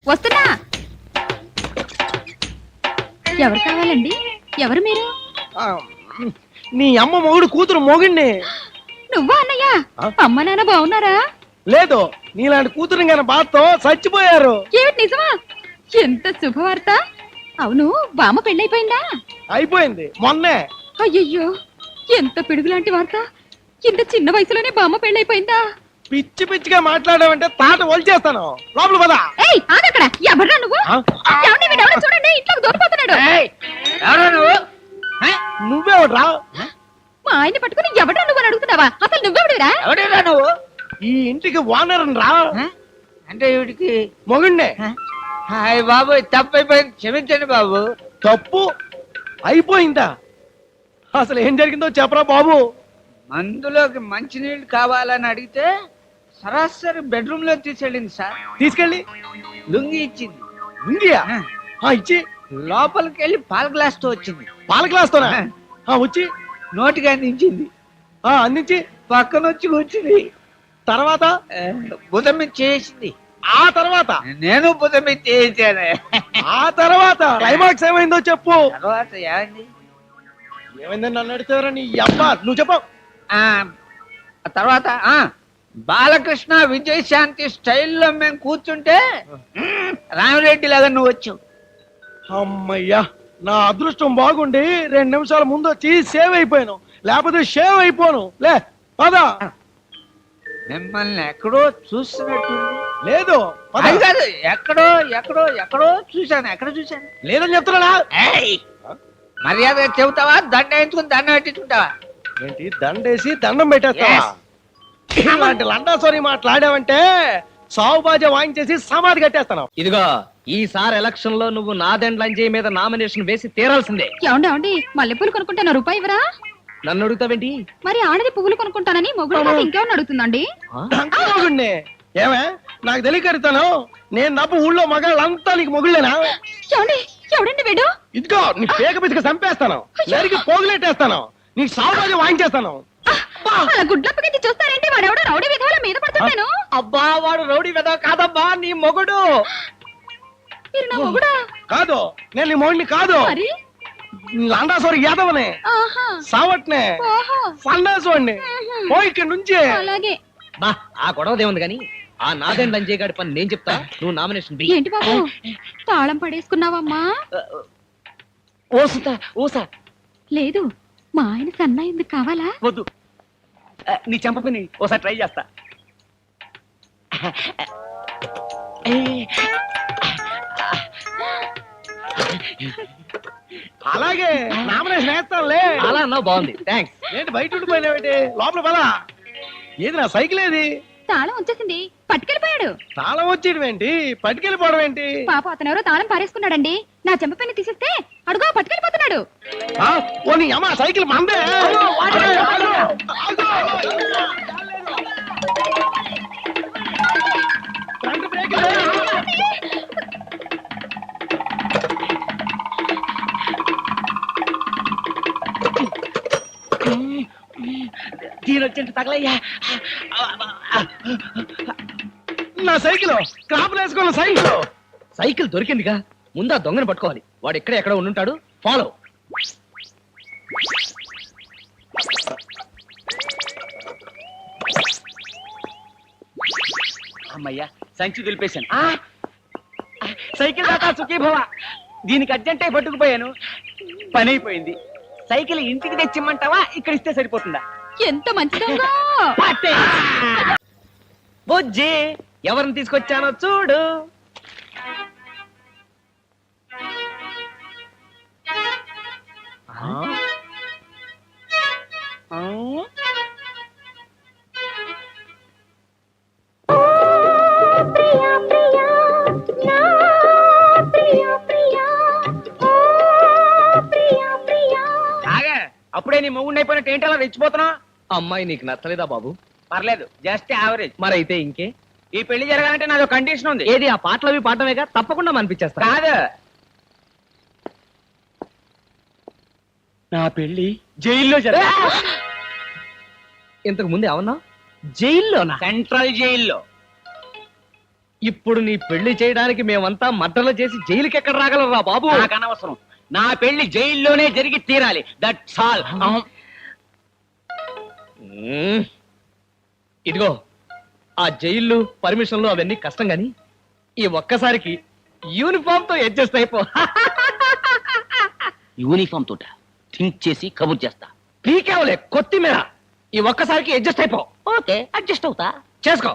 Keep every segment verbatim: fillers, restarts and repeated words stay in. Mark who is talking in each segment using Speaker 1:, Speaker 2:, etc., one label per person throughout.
Speaker 1: వస్తున్నా. ఎవరు కావాలండి? ఎవరు మీరు?
Speaker 2: ఆ, నీ అమ్మ మొగుడు కూతురు మొగుడిని.
Speaker 1: నువ్వా అన్నయ్య?
Speaker 2: ఆ?
Speaker 1: అమ్మ నాన్న బాగున్నారా?
Speaker 2: లేదు, నీలాంటి కూతురు కానీ బాధతో చచ్చిపోయారు.
Speaker 1: ఏమిటి నిజమా? ఎంత శుభవార్త. అవును, బామ్మ పెళ్ళైపోయిందా?
Speaker 2: అయిపోయింది మొన్నే.
Speaker 1: అయ్యయ్యో, ఎంత పిడుగులాంటి వార్త. ఇంత చిన్న వయసులోనే బామ్మ పెళ్ళైపోయిందా?
Speaker 2: పిచ్చి పిచ్చిగా మాట్లాడావంటే తాట వలిచేస్తాను. లోపల పద.
Speaker 1: ఏయ్ ఆగక్కడ. ఎవరా నువ్వు?
Speaker 2: ఆ?
Speaker 1: ఏమండి, వీడెవడో చూడండి, ఇంట్లోకి దూరిపోతున్నాడు.
Speaker 2: నువ్వెవడ్రా?
Speaker 1: మా ఆయన్ని పట్టుకుని ఎవడా నువ్వు అని అడుగుతున్నావా? అసలు నువ్వెవడురా?
Speaker 3: ఎవడేరా నువ్వు?
Speaker 2: ఈ ఇంటికి ఓనర్ రా.
Speaker 3: అంటే వీడికి
Speaker 2: మొగుడినే.
Speaker 3: హాయ్ బాబు, తప్పైపోయింది, క్షమించండి బాబు.
Speaker 2: తప్పు అయిపోయిందా? అసలు ఏం జరిగిందో చెప్పరా బాబు.
Speaker 3: మందులోకి మంచినీళ్ళు కావాలని అడిగితే సరాసరి బెడ్రూమ్ లో తీసుకెళ్ళింది సార్.
Speaker 2: తీసుకెళ్ళి
Speaker 3: లుంగి ఇచ్చింది.
Speaker 2: ఉందియా?
Speaker 3: ఆ,
Speaker 2: ఆ, ఇచ్చి
Speaker 3: లోపలికి వెళ్ళి పాల గ్లాస్ తో వచ్చింది.
Speaker 2: పాల గ్లాస్ తోనా? ఆ, వచ్చి
Speaker 3: నోటికి అందించింది.
Speaker 2: ఆ, అందించి
Speaker 3: పక్కన వచ్చి కూర్చుంది.
Speaker 2: తర్వాత
Speaker 3: ఆ, బుధం మీద చేసింది.
Speaker 2: ఆ తర్వాత
Speaker 3: నేను బుధం మీద చేయించాను.
Speaker 2: ఆ తర్వాత క్లైమాక్స్ ఏమైందో చెప్పు.
Speaker 3: తర్వాత ఏమైంది?
Speaker 2: ఏమైందని నన్ను అడితేవరా నీ అబ్బా, నువ్వు చెప్పు.
Speaker 3: ఆ ఆ తర్వాత ఆ బాలకృష్ణ విజయశాంతి స్టైల్లో మేము కూర్చుంటే మ్మ్, రామిరెడ్డి లాగా నువ్వు వచ్చావు.
Speaker 2: అమ్మయ్యా, నా అదృష్టం బాగుండి రెండు నిమిషాల ముందు వచ్చి సేవ్ అయిపోయాను, లేకపోతే షేవ్ అయిపోను. లే పద.
Speaker 3: మిమ్మల్ని ఎక్కడో చూస్తున్నట్టు.
Speaker 2: లేదు పద.
Speaker 3: అది కాదు, ఎక్కడో ఎక్కడో ఎక్కడో చూశాను. ఎక్కడ చూశాను?
Speaker 2: లేదని చెప్తున్నా.
Speaker 3: ఏయ్! మర్యాదగా చెబుతావా, దండ వేయించుకుని దండం పెట్టించుకుంటావా?
Speaker 2: ఏంటి దండేసి దండం పెట్టేస్తావా? ఇలాంటి లండాసోరి మాట్లాడావంటే సావు బాజా వాయించేసి సమాధి కట్టేస్తాను.
Speaker 4: ఇదిగో ఈసారి ఎలక్షన్ లో నువ్వు నాదెండ్లంజయ్ మీద నామినేషన్ వేసి తీరాల్సిందే.
Speaker 1: ఏమండి ఏమండి, మల్లెపూలు కొనుక్కుంటాను, రూపాయి ఇవ్వరా?
Speaker 4: నన్ను అడుగుతావేంటి?
Speaker 1: మరి ఆడది పువ్వులు కొనుక్కుంటానని మొగుడు నాకు ఇంకేమన్నా అడుగుతుందండి?
Speaker 2: మొగుడిని ఏమే నాకు తెలియకరుతాను. నేను నవ్వు ఊళ్ళో మగాళ్ళంతా నీకు మొగుళ్ళేనా?
Speaker 1: ఏమండి, ఎవడండి వీడు?
Speaker 2: ఇదిగో నీ పేక పిసిక చంపేస్తాను, నరికి పోగులెట్టేస్తాను, నీకు సావు బాజా వాయించేస్తాను.
Speaker 1: అలా గుడ్లప్పగించి చూస్తారంటే వాడెవడో రౌడీ విధవల మీద పడుతున్నాను.
Speaker 4: అబ్బా, వాడు రౌడీ వెద కాదబ్బా, నీ మొగుడు.
Speaker 1: మీరు నా మొగుడా?
Speaker 2: కాదు, నేను నీ మొగుడిని కాదు.
Speaker 1: మరి
Speaker 2: లండాసోరి యాదవనే,
Speaker 1: ఆహా,
Speaker 2: సావట్నే,
Speaker 1: ఓహో,
Speaker 2: సన్నాసోడిని. పో ఇక్కడి నుంచి.
Speaker 1: అలాగే.
Speaker 4: బా, ఆ గొడవదే ఉంది కానీ ఆ నాదెండ్లంజయ్ గారి పని నేను చెప్తా, నువ్వు నామినేషన్ బి.
Speaker 1: ఏంటి బాబు, తాళం పడేసుకున్నావమ్మా?
Speaker 4: ఓసుతా ఓసా.
Speaker 1: లేదు, మా ఆయన సన్నా ఎందుకు కావాలా?
Speaker 4: వద్దు, నీ చెంప పని ఓసారి ట్రై చేస్తా.
Speaker 2: అలాగే నామినేషన్ వేస్తానులే.
Speaker 4: అలా అన్నావు, బాగుంది, థ్యాంక్స్.
Speaker 2: ఏంటి బయట ఉండిపోయినావేంటి? లోపల పద. ఏది నా సైకిల్ ఏది?
Speaker 1: తాళం వచ్చేసింది, పట్టుకెళ్ళిపోయాడు.
Speaker 2: తాళం వచ్చేయడం ఏంటి, పట్టుకెళ్ళిపోవడం ఏంటి?
Speaker 1: పాప అతను ఎవరో తాళం పారేసుకున్నాడండి. నా చెంప పైన తీసేస్తే అడుగు పట్టుకెళ్ళిపోతున్నాడు.
Speaker 2: ఆ, ఓ నీ అమ్మ సైకిల్ మందే. ఫ్రంట్ బ్రేక్ లే.
Speaker 4: తీరొచ్చి తగలయ్యా.
Speaker 2: నా సైకిల్ క్రాప్ వేసుకున్న సైకిల్.
Speaker 4: సైకిల్ దొరికిందిగా, ముందు ఆ దొంగని పట్టుకోవాలి. వాడు ఎక్కడ ఎక్కడ ఉండుంటాడు, ఫాలో. అమ్మయ్యా, సంచి దులిపేశాను. ఆ! సైకిల్ దాకా సుఖీభవ. దీనికి అర్జెంటే పట్టుకుపోయాను, పని అయిపోయింది. సైకిల్ ఇంటికి తెచ్చిమ్మంటావా, ఇక్కడ ఇస్తే సరిపోతుందా?
Speaker 1: ఎంత మంచి దొంగ!
Speaker 4: బుజ్జి, ఎవరిని తీసుకొచ్చానో చూడు.
Speaker 3: ఆగా, అప్పుడే నీ మొగుండి అయిపోయినట్టు ఏంటి అలా రెచ్చిపోతున్నా?
Speaker 4: అమ్మాయి నీకు నచ్చలేదా బాబు?
Speaker 3: పర్లేదు, జస్ట్ యావరేజ్.
Speaker 4: మరైతే ఇంకే.
Speaker 3: ఈ పెళ్లి జరగాలంటే నాదో కండిషన్ ఉంది.
Speaker 4: ఏది, ఆ పాటలు అవి పాడటమేగా, తప్పకుండా మనిపించేస్తా.
Speaker 3: కాదు,
Speaker 4: నా పెళ్లి జైల్లో జరగ. ఇంతకు ముందు ఏమన్నా? జైల్లోనా?
Speaker 3: సెంట్రల్ జైల్లో.
Speaker 2: ఇప్పుడు నీ పెళ్లి చేయడానికి మేమంతా మద్దలు చేసి జైలుకి ఎక్కడ రాగలరా బాబు?
Speaker 4: నాకు అనవసరం. నా పెళ్లి జైల్లోనే జరిగి తీరాలి. That's all.
Speaker 2: మ్మ్. ఇదిగో ఆ జైళ్ళు పర్మిషన్లు అవన్నీ కష్టం గాని ఈ ఒక్కసారికి యూనిఫామ్ తో అడ్జస్ట్ అయిపో.
Speaker 4: యూనిఫామ్ తోట థింక్ చేసి కబుర్ చేస్తా.
Speaker 2: పీకేవలే కొత్తిమీర. ఈ ఒక్కసారికి అడ్జస్ట్ అయిపో.
Speaker 4: ఓకే, అడ్జస్ట్ అవుతా.
Speaker 2: చేసుకో.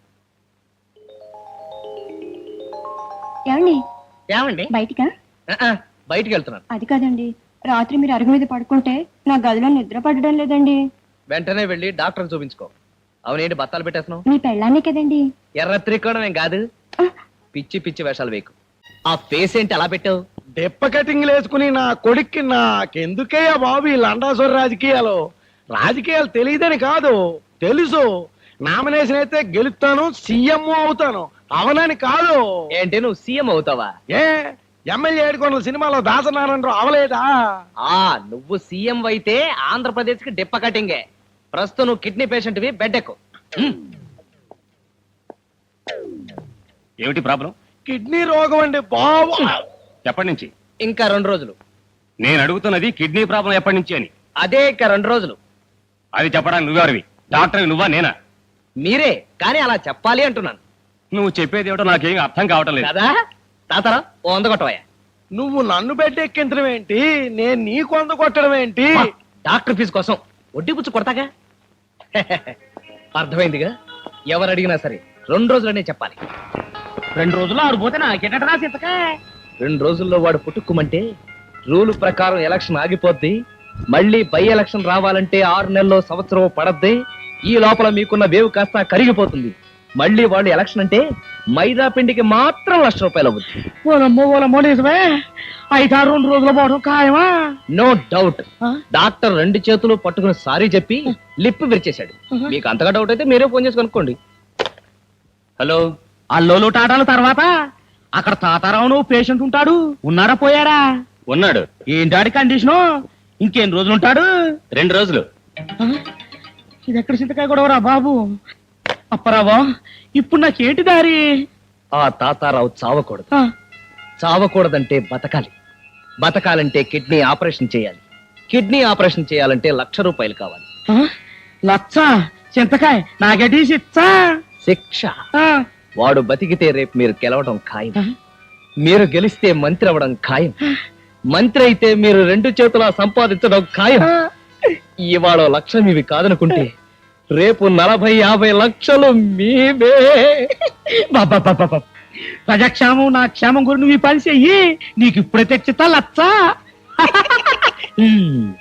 Speaker 1: ఏమండి
Speaker 2: ఏమండి?
Speaker 1: బయటికా?
Speaker 2: ఆ, ఆ, బయటికి వెళ్తున్నాను.
Speaker 1: అది కాదండి, రాత్రి మీరు అరుగు మీద పడుకుంటే నా గదిలో నిద్ర పడడం లేదండి.
Speaker 2: వెంటనే వెళ్ళి డాక్టర్ చూపించుకో. అవునేంటి బత్తాలు పెట్టేస్తున్నావు?
Speaker 1: మీ పెళ్ళాన్నే కదండి.
Speaker 2: ఎర్ర త్రికోణం ఏం కాదు. పిచ్చి పిచ్చి వేషాలు వేకు. ఆ ఫేస్ ఏంటి అలా పెట్టావు?
Speaker 5: దెప్ప కటింగ్ వేసుకుని నా కొడుక్కి నాకెందుకయ్యా బాబు ఈ లండాసోరి రాజకీయాలు? రాజకీయాలు తెలియదని కాదు, తెలుసు. నామినేషన్ అయితే గెలుస్తాను, సీఎం అవుతాను. అవనని కాదు.
Speaker 2: ఏంటి నువ్వు సీఎం అవుతావా?
Speaker 5: ఏ ఎమ్మెల్యే ఏడుకొండల సినిమాలో దాసనారాయణరావు అవలేదా?
Speaker 2: ఆ నువ్వు సీఎం అయితే ఆంధ్రప్రదేశ్ కి డిప్ప కటింగే. ప్రస్తుతం నువ్వు కిడ్నీ పేషెంట్ వి, బెడ్ ఎక్కు.
Speaker 6: ఏమిటి ప్రాబ్లం?
Speaker 5: కిడ్నీ రోగం అండి బాబు.
Speaker 6: ఎప్పటి నుంచి?
Speaker 2: ఇంకా రెండు రోజులు.
Speaker 6: నేను అడుగుతున్నది కిడ్నీ ప్రాబ్లం ఎప్పటి నుంచి అని.
Speaker 2: అదే ఇంకా రెండు రోజులు.
Speaker 6: అది చెప్పడానికి నువ్వెవరివి? డాక్టర్ నువ్వా నేనా?
Speaker 2: మీరే, కానీ అలా చెప్పాలి అంటున్నాను.
Speaker 6: నువ్వు చెప్పేది ఏమిటో నాకేం అర్థం కావటం లేదు.
Speaker 2: కదా తాతరా ఓ వంద కొట్టవయ్యా.
Speaker 5: నువ్వు నన్ను బెడ్ ఎక్కించడం ఏంటి, నేను నీకు వంద కొట్టడం ఏంటి?
Speaker 2: డాక్టర్ ఫీజు కోసం వడ్డీ పుచ్చు కొడతాగా. అర్థమైందిగా. ఎవరు అడిగినా సరే రెండు రోజులనే చెప్పాలి.
Speaker 4: రెండు రోజులు ఆడిపోతే నాకెట రాసిక.
Speaker 2: రెండు రోజుల్లో వాడు పుట్టుకుమంటే రూల్ ప్రకారం ఎలక్షన్ ఆగిపోద్ది. మళ్ళీ బై ఎలక్షన్ రావాలంటే ఆరు నెలల్లో సంవత్సరం పడద్ది. ఈ లోపల మీకున్న వేవ్ కాస్త కరిగిపోతుంది. మళ్ళీ వాళ్ళు ఎలక్షన్ అంటే మైదా పిండికి మాత్రం లక్ష రూపాయలు అవుతుంది.
Speaker 5: ఓలమ్మో ఓలమ్మో నిజమే. ఐదారు రెండు రోజులు పోవడం ఖాయమా?
Speaker 2: No doubt. డాక్టర్ రెండు చేతులు పట్టుకుని సారీ చెప్పి లిప్ విరిచేశాడు. మీకు అంతగా డౌట్ అయితే మీరే ఫోన్ చేసి కనుక్కోండి.
Speaker 6: హలో,
Speaker 4: అల్లోలు టాటాల తర్వాత అక్కడ తాతారావును పేషెంట్ ఉంటాడు. ఉన్నాడా పోయాడా?
Speaker 6: ఉన్నాడు.
Speaker 4: ఏంటాడి కండిషను? ఇంకేం రోజులు ఉంటాడు?
Speaker 6: రెండు రోజులు.
Speaker 4: ఇది ఎక్కడ చింతకాయ గొడవరా బాబు? అప్పరావా, ఇప్పుడు నాకేంటి దారి?
Speaker 2: ఆ తాతారావు చావకూడదు.
Speaker 4: ఆ,
Speaker 2: చావకూడదంటే బతకాలి. బతకాలంటే కిడ్నీ ఆపరేషన్ చేయాలి. కిడ్నీ ఆపరేషన్ చేయాలంటే లక్ష రూపాయలు కావాలి.
Speaker 4: ఆ, లచ్చ చింతకాయ నాగటి శిచ్చ.
Speaker 2: శిక్ష.
Speaker 4: ఆ,
Speaker 2: వాడు బతికితే రేపు మీరు గెలవడం ఖాయం.
Speaker 4: ఆ.
Speaker 2: మీరు గెలిస్తే మంత్రి అవ్వడం ఖాయం. మంత్రి అయితే మీరు రెండు చేతులా సంపాదించడం ఖాయం. ఇవాళ లక్ష మీవి కాదనుకుంటే రేపు నలభై యాభై లక్షలు మీవే.
Speaker 4: బాబా ప్రజాక్షేమం నా క్షేమం గురించి నువ్వు ఈ పని చెయ్యి. నీకు ఇప్పుడే తెచ్చితా లచ్చ.
Speaker 2: హ్మ్.